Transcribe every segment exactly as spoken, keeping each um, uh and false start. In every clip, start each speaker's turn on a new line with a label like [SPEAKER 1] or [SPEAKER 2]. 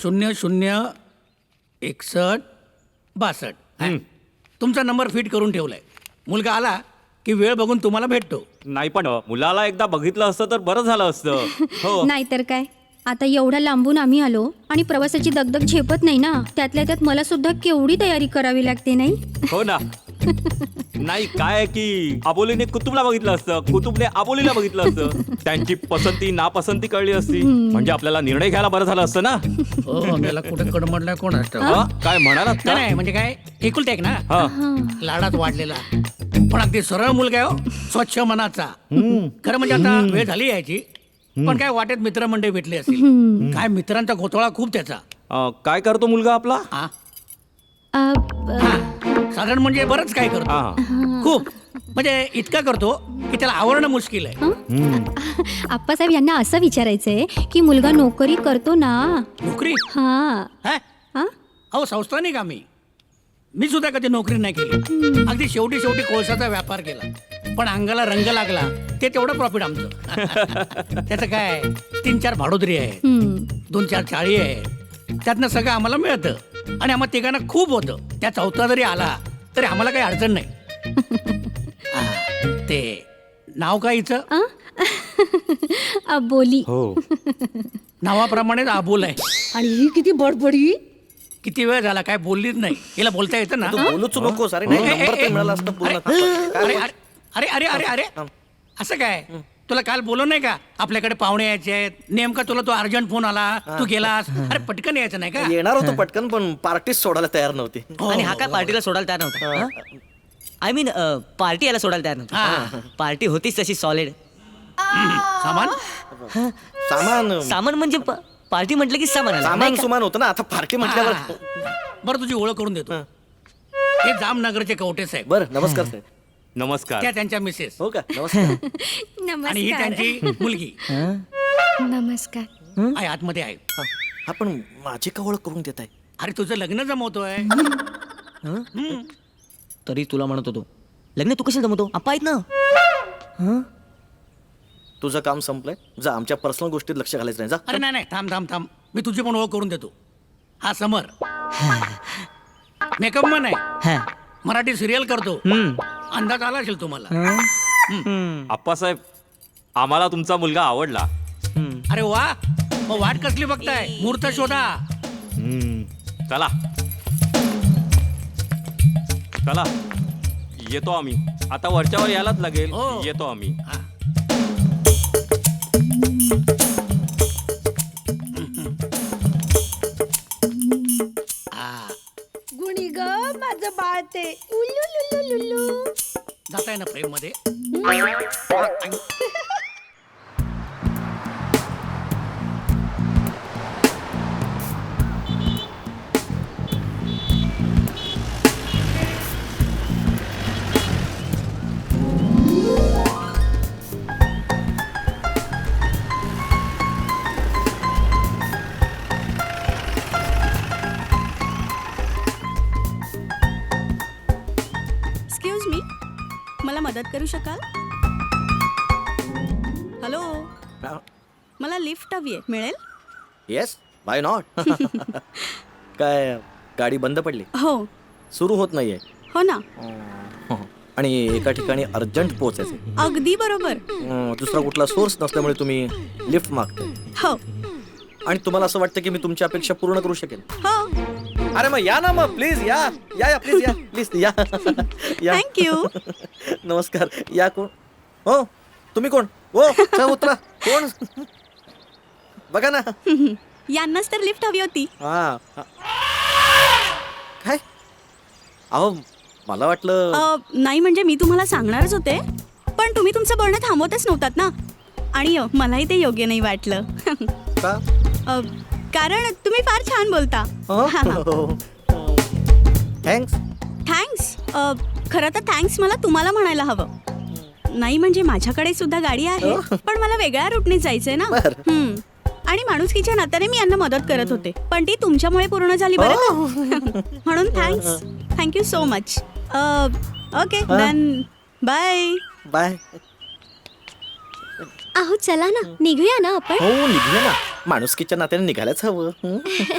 [SPEAKER 1] शून्य शून्य एकसष्ट बासष्ट हा. तुमचा नंबर फिट करून ठेवलाय. मुलगा आला की वेळ बघून तुम्हाला भेटतो.
[SPEAKER 2] नाही पण मुलाला एकदा बघितलं असतं तर बरं झालं असतं. हो
[SPEAKER 3] नाहीतर काय. आता एवढ्या लांबून आम्ही आलो आणि प्रवासाची दगदग झेपत नाही ना. त्यातल्या त्यात मला सुद्धा केवढी तयारी करावी लागते नाही.
[SPEAKER 2] हो ना. नाही काय आहे की आबोलीने कुतुबला बघितलं असतं, कुतुबने आबोलीला बघितलं असतं. त्यांची पसंती नापसंती कळली असती म्हणजे आपल्याला निर्णय घ्यायला बरं झालं असतं ना.
[SPEAKER 1] हो त्याला कुठे कडमडलाय कोण असतं.
[SPEAKER 2] हा? काय म्हणालात का?
[SPEAKER 1] नाही म्हणजे काय एकुलते एक ना.
[SPEAKER 2] हा.
[SPEAKER 1] लाडात वाढलेला पण अगदी सरळ मुलगा आहे हो. स्वच्छ मनाचा. खरं म्हणजे आता वेळ झाली यायची पण काय वाटेत मित्रमंडळी भेटले असतील. काय मित्रांचा घोटाळा खूप त्याचा.
[SPEAKER 2] अं, काय करतो मुलगा आपला?
[SPEAKER 1] हा
[SPEAKER 3] अ, ब-
[SPEAKER 1] हा. साधारण म्हणजे बरंच काय करतो.
[SPEAKER 2] हा.
[SPEAKER 1] खूप म्हणजे इतका करतो की त्याला आवरणं मुश्किल आहे.
[SPEAKER 3] आप्पासाहेब यांना असं विचारायचंय की मुलगा नोकरी करतो ना.
[SPEAKER 1] नोकरी
[SPEAKER 3] हा
[SPEAKER 1] हा?
[SPEAKER 3] हा
[SPEAKER 1] अहो संस्थानिक आम्ही. मी सुद्धा कधी नोकरी नाही केली. अगदी शेवटी शेवटी कोळशाचा व्यापार केला पण अंगाला रंग लागला ते तेवढं प्रॉफिट आमचं. त्याचं काय तीन चार भाडोदरी आहेत,
[SPEAKER 3] हम्म.
[SPEAKER 1] दोन चार चाळी आहेत, त्यातनं सगळं आम्हाला मिळतं आणि आम्हाला तिघांना खूप होतं. त्या चौथा जरी आला तरी आम्हाला काही अडचण नाही. हा, ते नाव काय हिचं?
[SPEAKER 3] आ? अबोली.
[SPEAKER 2] हो.
[SPEAKER 1] नावाप्रमाणेच आबोल आहे.
[SPEAKER 4] आणि ही किती बडबडी.
[SPEAKER 1] किती वेळ झाला काय बोललीच नाही. हिला बोलता येतं ना?
[SPEAKER 5] तू बोलूच नकोस. अरे नाही
[SPEAKER 1] ए, ए,
[SPEAKER 5] नंबर
[SPEAKER 1] ए,
[SPEAKER 5] तर मिळाला असता पूर्ण.
[SPEAKER 1] अरे अरे अरे अरे अरे अरे असं काय तुला काल बोललो नाही का आपल्याकडे पाहुणे यायचे आहेत. नेमका तुला तो अर्जंट फोन आला तू गेलास. अरे पटकन यायचं नाही का?
[SPEAKER 5] येणार होतो पटकन पण पार्टीच सोडायला तयार नव्हती.
[SPEAKER 6] आणि हा काय पार्टीला सोडायला तयार नव्हता. आय मीन पार्टी याला सोडायला तयार नव्हता. पार्टी होतीच तशी सॉलिड.
[SPEAKER 1] सामान
[SPEAKER 5] सामान
[SPEAKER 6] सामान म्हणजे पार्टी म्हटलं की सामान आलं.
[SPEAKER 5] सामान सुमान होतं ना. आता पार्टी म्हटल्यावर.
[SPEAKER 1] बरं तुझी ओळख करून देतो. हे जामनगरचे कवटे साहेब.
[SPEAKER 5] बरं नमस्कार साहेब.
[SPEAKER 2] नमस्कार.
[SPEAKER 1] त्या त्यांच्या मिसेस
[SPEAKER 5] हो का नमस्कार.
[SPEAKER 1] आणि ही
[SPEAKER 3] नमस्कार.
[SPEAKER 1] त्यांची मुलगी
[SPEAKER 3] नमस्कार.
[SPEAKER 1] आहे आतमध्ये आहे.
[SPEAKER 5] हा, आपण माझी का ओळख करून देत आहे?
[SPEAKER 1] अरे तुझं लग्न जमवतोय.
[SPEAKER 6] तरी तुला म्हणत होतो लग्न तू कशाला जमवतो. आप्पा आहेत ना.
[SPEAKER 5] तुझं काम संपलंय. जा आमच्या पर्सनल गोष्टीत लक्ष घालायचं नाही. जा.
[SPEAKER 1] अरे नाही नाही थांब थांब थांब मी तुझी पण ओळख करून देतो. हा समर मेकअप मन आहे.
[SPEAKER 6] हा.
[SPEAKER 1] मराठी सिरियल करतो.
[SPEAKER 6] हम्म.
[SPEAKER 1] अंदाज आला असेल तुम्हाला.
[SPEAKER 2] आप्पासाहेब आम्हाला तुमचा मुलगा आवडला.
[SPEAKER 1] अरे वा मग वाट कसली बघताय मुहूर्त शोधा.
[SPEAKER 2] हम्म. चला चला येतो आम्ही. आता वरच्यावर यायलाच लागेल.
[SPEAKER 1] हो.
[SPEAKER 2] येतो आम्ही.
[SPEAKER 1] हा. हा.
[SPEAKER 4] गुणी ग माझं बाळ ते उल्लू लुल्लू लुल्लू.
[SPEAKER 1] जाताय ना फ्रेम मध्ये.
[SPEAKER 7] एक्सक्यूज मी मला मदत करू शकाल. हॅलो मला लिफ्ट हवी आहे मिळेल.
[SPEAKER 5] Yes why not. काय गाडी बंद पडली?
[SPEAKER 7] हो
[SPEAKER 5] सुरू होत नाहीये.
[SPEAKER 7] हो ना.
[SPEAKER 5] आणि एका ठिकाणी अर्जंट पोहोचायचं.
[SPEAKER 7] अगदी बरोबर.
[SPEAKER 5] अं, दुसरा कुठला सोर्स नसल्यामुळे तुम्ही लिफ्ट मागताय
[SPEAKER 7] हो
[SPEAKER 5] आणि तुम्हाला असं वाटतं की मी तुमची अपेक्षा पूर्ण करू शकेन.
[SPEAKER 7] हो
[SPEAKER 5] अरे मग या ना मग प्लीज या या या प्लीज या प्लीज या या.
[SPEAKER 7] थँक्यू.
[SPEAKER 5] नमस्कार. या कोण? हो तुम्ही कोण? हो चला उतरा. कोण? बघा ना.
[SPEAKER 7] यांनाच तर लिफ्ट हवी होती.
[SPEAKER 5] हा हा. काय? अहो मला वाटलं.
[SPEAKER 7] अ, नाही म्हणजे मी तुम्हाला सांगणारच होते पण तुम्ही तुमचं बोलणं थांबवतच नव्हतात ना. आणि अ, मलाही ते योग्य नाही वाटलं.
[SPEAKER 5] का?
[SPEAKER 7] अ, कारण तुम्ही फार छान बोलता.
[SPEAKER 5] थँक्स.
[SPEAKER 7] थँक्स. खरं तर थँक्स मला तुम्हाला म्हणायला हवं. नाही म्हणजे माझ्याकडे सुद्धा गाडी आहे पण मला वेगळ्या रूटने जायचंय ना.
[SPEAKER 5] बरं.
[SPEAKER 7] हम्म. आणि माणुसकीच्या नात्याने मी यांना मदत करत होते पण ती तुमच्यामुळे पूर्ण झाली बरं का? म्हणून thanks. Thank you so much. Okay then bye.
[SPEAKER 5] Bye.
[SPEAKER 3] अहो चला ना निघूया ना आपण.
[SPEAKER 5] हो निघूया ना. माणुसकीच्या नात्याने निघायलाच हवं हं?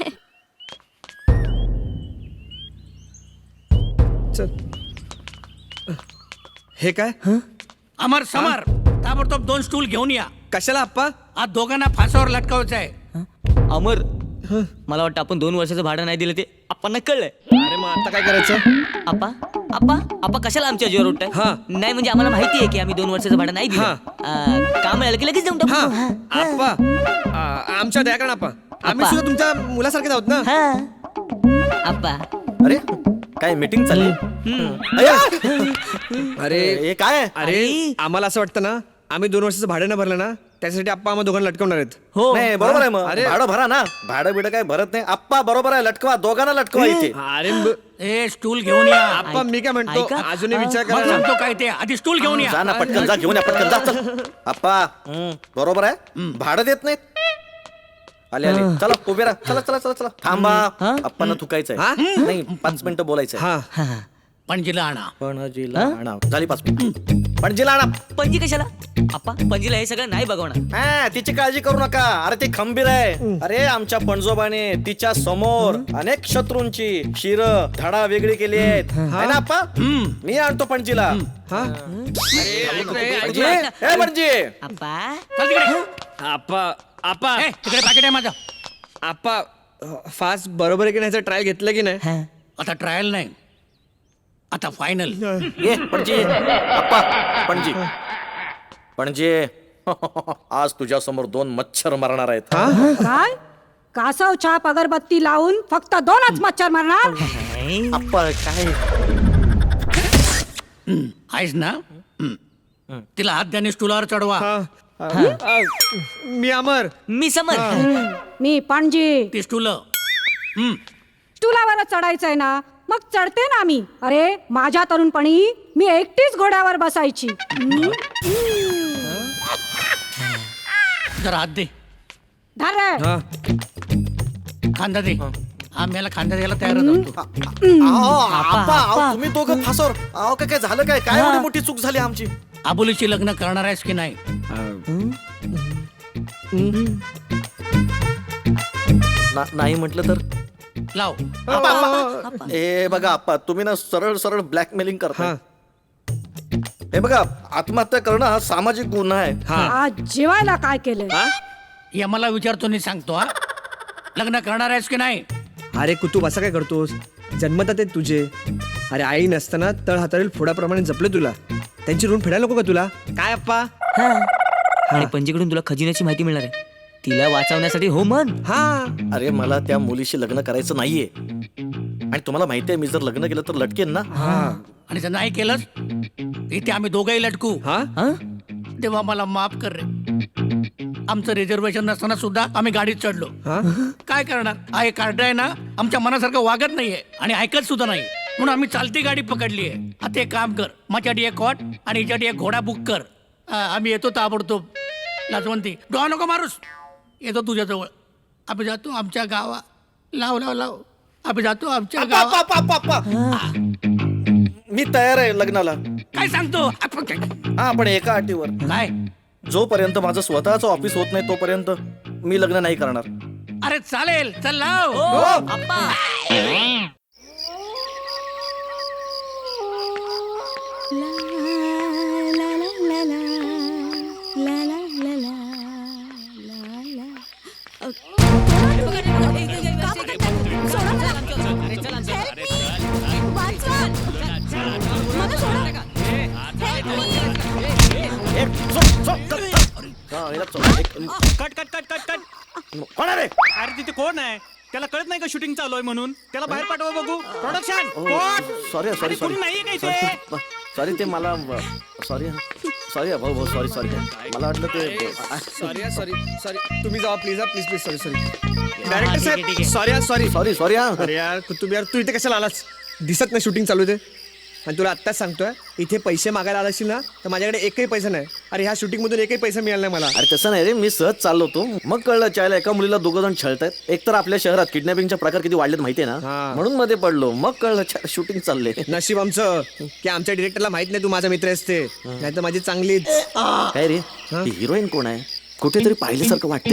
[SPEAKER 8] हे काय
[SPEAKER 1] अमर समर ताबडतोब दोन स्टूल घेऊन या.
[SPEAKER 8] कशाला आप्पा
[SPEAKER 1] आज दोघांना फासावर लटकावायचं आहे.
[SPEAKER 6] अमर मला वाटतं आपण दोन वर्षाचं भाडं नाही दिलं ते आपण कळलंय.
[SPEAKER 8] अरे मग आता काय करायचं
[SPEAKER 6] आप्पा आप्पा आप्पा कशाला आमच्या जीवर उठताय?
[SPEAKER 8] हा.
[SPEAKER 6] नाही म्हणजे आम्हाला माहिती आहे की आम्ही दोन वर्षाचं भाडं नाही दिलं.
[SPEAKER 8] हा.
[SPEAKER 6] अं, काम मिळालं की लगेच देऊन टाकू.
[SPEAKER 8] हा आप्पा आ- आमच्या दयाकरण आप्पा आम्ही
[SPEAKER 6] आप्पा.
[SPEAKER 8] सुद्धा तुमच्या मुलासारखेच आहोत ना
[SPEAKER 6] हा. आप्पा
[SPEAKER 5] अरे काय मीटिंग चालली अय्या!
[SPEAKER 8] अरे
[SPEAKER 5] हे काय आहे?
[SPEAKER 8] अरे आम्हाला असं वाटतं ना आम्ही दोन वर्षाचं भाडं नाही भरलं ना त्यासाठी आप्पा आम्हाला दोघांना लटकवणार आहेत.
[SPEAKER 6] हो
[SPEAKER 5] नाही बरोबर आहे मग
[SPEAKER 8] अरे.
[SPEAKER 5] भाडं भरा ना भाडं बिडं काय भरत नाही आप्पा बरोबर आहे लटकवा दोघांना लटकवा इथे
[SPEAKER 8] अरे ब-
[SPEAKER 1] ए स्टूल घेऊन या.
[SPEAKER 8] आप्पा मी काय म्हणतो
[SPEAKER 6] ऐका.
[SPEAKER 8] अजूनही विचार
[SPEAKER 1] मग
[SPEAKER 8] करा ना.
[SPEAKER 1] सांगतो काय ते आधी स्टूल घेऊन या.
[SPEAKER 5] जा ना पटकन जा घेऊन या पटकन जा चल. आप्पा हं, बरोबर आहे भाडं देत नाहीत आले आले चला उभे राहा चला चला चला चला थांबा आप्पांना थुकायचंय
[SPEAKER 8] हा?
[SPEAKER 5] नाही पाच मिनिटं बोलायचंय
[SPEAKER 8] हा
[SPEAKER 1] पणजीला आणा.
[SPEAKER 5] पणजीला आणा झाली पाच मिनिट पणजीला आणा
[SPEAKER 6] पणजी कशाला? आप्पा पणजीला हे सगळं नाही बघवणार.
[SPEAKER 5] हा तिची काळजी करू नका अरे ती खंबीर आहे अरे आमच्या पणजोबाने तिच्या समोर अनेक शत्रूंची शिर धडा वेगळी केली आहेत है ना आप्पा मी आणतो पणजीला
[SPEAKER 8] हा
[SPEAKER 5] पणजी ए पणजी
[SPEAKER 6] आप्पा
[SPEAKER 1] चल तिकडे.
[SPEAKER 8] आप्पा आप्पा
[SPEAKER 1] ए, तिकडे पाकिट आहे माझं.
[SPEAKER 8] आप्पा फास्ट बरोबर आहे की नाही ट्रायल घेतलं की नाही
[SPEAKER 6] हा.
[SPEAKER 1] आता ट्रायल नाही आता फायनल.
[SPEAKER 5] ये पणजी आप्पा पणजी पणजी आज तुझ्या समोर दोन मच्छर मारणार आहेत
[SPEAKER 4] काय कासव छाप अगरबत्ती लावून फक्त दोनच मच्छर मारणार.
[SPEAKER 5] आप्पा काय
[SPEAKER 1] आहेस ना हम्म. तिला हात द्याने स्टूलावर चढवा.
[SPEAKER 8] हा. आ, मी अमर
[SPEAKER 6] मी समर.
[SPEAKER 4] मी पणजी
[SPEAKER 1] ती स्टूल
[SPEAKER 4] तुलावर चढायचंय ना मग चढते ना मी. अरे माझ्या तरुणपणी मी एकटीच घोड्यावर बसायची. हम्म.
[SPEAKER 1] जरा हात दे
[SPEAKER 4] धर रे.
[SPEAKER 8] हा
[SPEAKER 1] खांदा दे. आम्हाला खांदा द्यायला तयार होतो.
[SPEAKER 5] अहो, आप्पा अहो, तुम्ही दोघं फासवर अहो काय काय झालं काय काय एवढी मोठी चूक झाली आमची
[SPEAKER 1] आबोलीची लग्न करणार आहेस की नाही?
[SPEAKER 5] ना- नाही म्हटलं तर
[SPEAKER 1] लाव.
[SPEAKER 5] आप्पा, आप्पा. हे बघा आप्पा तुम्ही ना सरळ सरळ ब्लॅकमेलिंग करता
[SPEAKER 8] हा
[SPEAKER 5] हे बघा आत्महत्या करणं हा सामाजिक गुन्हा आहे
[SPEAKER 8] हा
[SPEAKER 4] आज जेवायला काय केलंय?
[SPEAKER 1] हे मला विचारतो नाही सांगतो हा. लग्न करणार आहेस की नाही?
[SPEAKER 8] अरे कुतूब असं काय करतोस जन्मतात आहेत तुझे अरे आई नसताना तळ हातावरील फोडाप्रमाणे जपले तुला त्यांची ऋण फेडायला नको का तुला काय अप्पा
[SPEAKER 6] हा. आणि पणजीकडून तुला खजिन्याची माहिती मिळणार आहे. तिला वाचवण्यासाठी हो मन.
[SPEAKER 8] हा
[SPEAKER 5] अरे मला त्या मुलीशी लग्न करायचं नाहीये आणि तुम्हाला माहिती आहे मी जर लग्न केलं तर लटकेन ना
[SPEAKER 1] आणि जर नाही केलंस इथे आम्ही दोघंही लटकू.
[SPEAKER 8] हा
[SPEAKER 6] हा?
[SPEAKER 1] तेव्हा मला माफ कर रे. आमचं रिझर्वेशन नसताना सुद्धा आम्ही गाडीत चढलो.
[SPEAKER 8] हा
[SPEAKER 1] काय करणार हा एक कार्ड आहे ना आमच्या मनासारखं वागत नाहीये आणि ऐकत सुद्धा नाही म्हणून आम्ही चालती गाडी पकडली आहे. आता एक काम कर माझ्यासाठी एक कॉट आणि हिच्यासाठी एक घोडा बुक कर. हा, आम्ही येतो ताबडतोब. लाजवंती डोळा नको मारूस. येतो तुझ्याजवळ. आम्ही जातो आमच्या गावा. लाव लाव लाव आम्ही जातो आमच्या
[SPEAKER 5] आप्पा,
[SPEAKER 1] गावा.
[SPEAKER 5] आप्पा, आप्पा, आप्पा. मी तयार आहे लग्नाला
[SPEAKER 1] काय सांगतो आपण काय
[SPEAKER 5] हा पण एका अटीवर
[SPEAKER 1] काय?
[SPEAKER 5] जोपर्यंत माझं स्वतःचं ऑफिस होत नाही तोपर्यंत मी लग्न नाही करणार
[SPEAKER 1] अरे चालेल चल लाव.
[SPEAKER 6] हो, आप्पा.
[SPEAKER 5] एक, चल, चल, चल, चल. हा, याला चल, एक,
[SPEAKER 9] cut cut cut cut cut
[SPEAKER 5] कोण आहे रे?
[SPEAKER 9] अरे तिथे कोण आहे त्याला कळत नाही का शूटिंग चालू आहे म्हणून त्याला बाहेर पाठवा बघू प्रोडक्शन
[SPEAKER 5] सॉरी सॉरी सॉरी
[SPEAKER 9] नाहीये काय ते
[SPEAKER 5] सॉरी सॉरी ते मला सॉरी सॉरी भाऊ भाऊ सॉरी सॉरी मला वाटलं ते
[SPEAKER 8] सॉरी सॉरी सॉरी तुम्ही जावा please please please sorry sorry
[SPEAKER 6] ठीक
[SPEAKER 8] डायरेक्टर
[SPEAKER 6] आहे, ठीक
[SPEAKER 8] साहेब
[SPEAKER 6] आहे.
[SPEAKER 8] सॉरी सॉरी
[SPEAKER 5] सॉरी सॉरी हा
[SPEAKER 8] अरे यार कुतुब यार तू इथे कशाला आलास दिसत नाही शूटिंग चालू आहे ते आणि तुला आत्ताच सांगतोय इथे पैसे मागायला आला असशील ना तर माझ्याकडे एकही पैसा नाही अरे ह्या शूटिंग मधून एकही पैसा मिळाला नाही मला
[SPEAKER 5] अरे तसं नाही रे मी सहज चाललो होतो मग कळलं चायला एका मुलीला दोघं जण छळतायत एक तर आपल्या शहरात किडनॅपिंगचे प्रकार किती वाढलेत माहितीये ना
[SPEAKER 8] हा.
[SPEAKER 5] म्हणून मध्ये पडलो मग कळलं शूटिंग चालले
[SPEAKER 8] नशीब आमचं की आमच्या डिरेक्टरला माहित नाही तू माझा मित्र असते नाही तर माझी चांगलीच
[SPEAKER 5] काय रे ही हिरोईन कोण आहे कुठेतरी पाहिल्यासारखं वाटतंय हिला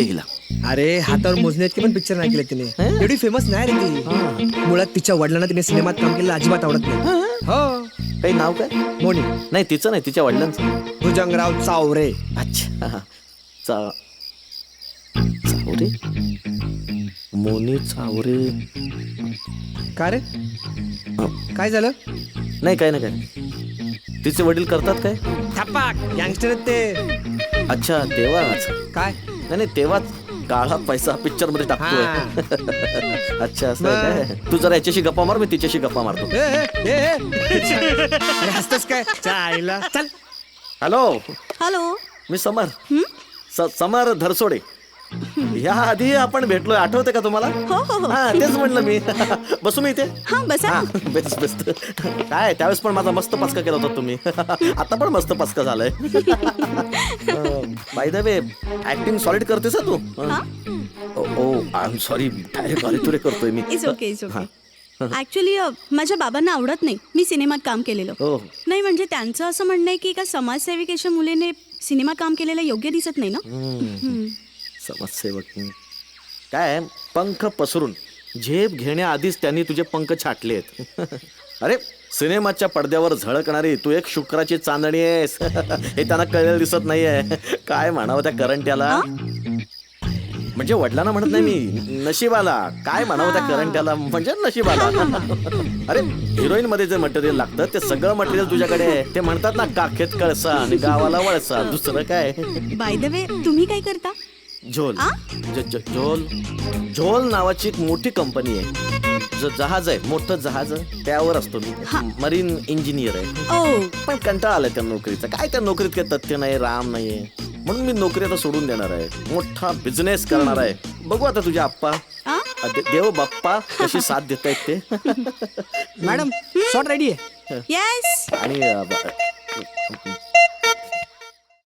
[SPEAKER 8] अरे हातावर मोजणे इतके पण पिक्चर नाही केले तिने एवढी फेमस नाही रे ती. मुळात तिच्या वडिलांना तिने सिनेमात काम केलेलं अजिबात आवडत नाही. हो
[SPEAKER 5] काही नाव काय?
[SPEAKER 8] मोनी
[SPEAKER 5] नाही तिचं नाही, तिच्या वडिलांचं.
[SPEAKER 8] भुजंगराव चावरे.
[SPEAKER 5] अच्छा हा. चा चावरे मोनी चावरे.
[SPEAKER 8] का रे काय झालं?
[SPEAKER 5] नाही काय ना काय. तिचे वडील करतात काय?
[SPEAKER 8] छपाक गँगस्टर आहेत ते.
[SPEAKER 5] अच्छा तेव्हाच.
[SPEAKER 8] काय
[SPEAKER 5] नाही नाही तेव्हाच काळा पैसा पिक्चर मध्ये टाकतोय. अच्छा असं आहे काय? तू जरा याच्याशी गप्पा मार, मी तिच्याशी गप्पा मारतो.
[SPEAKER 8] ए, ए, ए, ए. अरे हसतोस काय? चायला चल.
[SPEAKER 5] Hello
[SPEAKER 7] hello.
[SPEAKER 5] मी समर स- समर धरसोडे. ह्या आधी आपण भेटलोय, आठवते का तुम्हाला?
[SPEAKER 7] हो हो हो.
[SPEAKER 5] हा तेच म्हटलं मी. बसू मी इथे?
[SPEAKER 7] हा बसा.
[SPEAKER 5] हा बेस्ट बेस्ट. काय त्यावेळेस पण माझा मस्त पचका केला होता तुम्ही. आता पण मस्त पचका झालाय. By the way acting solid करतेस तू? Oh I am sorry, direct अरे तुरे करतोय मी.
[SPEAKER 7] It's okay it's okay. Actually माझ्या बाबांना आवडत नाही मी सिनेमात काम केलेलं.
[SPEAKER 5] हो
[SPEAKER 7] नाही म्हणजे त्यांचं असं म्हणणं आहे की एका समाजसेविकेच्या मुलीने सिनेमात काम केलेलं योग्य दिसत नाही ना. हम्म.
[SPEAKER 5] समाजसेवक काय पंख पसरून झेप घेण्याआधीच त्यांनी तुझे पंख छाटले आहेत. अरे सिनेमाच्या पडद्यावर झळकणारी तू एक शुक्राची चांदणी आहेस. हे त्यांना कळलेलं दिसत नाहीये. काय म्हणावं त्या करंट्याला? म्हणजे वडिलांना म्हणत नाही मी, नशिबाला. काय म्हणावं त्या करंट्याला म्हणजे नशिबाला. अरे हिरोईन मध्ये जे मटेरियल लागतं ते सगळं मटेरियल तुझ्याकडे आहे. ते म्हणतात ना काखेत कळसा आणि गावाला वळसा. दुसरं काय?
[SPEAKER 7] बाय द वे तुम्ही काय करता?
[SPEAKER 5] झोल ज- ज- झोल झोल नावाची एक मोठी कंपनी आहे. ज- जहाज आहे, मोठं जहाज त्यावर असतो मी. मरीन इंजिनियर आहे.
[SPEAKER 7] ओ
[SPEAKER 5] पण कंटाळा आलाय त्या नोकरीचा. काय त्या नोकरीत काही तथ्य नाही, राम नाहीये. म्हणून मी नोकरी आता सोडून देणार आहे. मोठा बिझनेस करणार आहे. बघू आता तुझ्या आप्पा
[SPEAKER 7] आ?
[SPEAKER 5] दे- देव बाप्पा कशी साथ देत आहेत ते.
[SPEAKER 8] मॅडम शॉट रेडी आहे.
[SPEAKER 7] येस.
[SPEAKER 5] आणि अ, ब-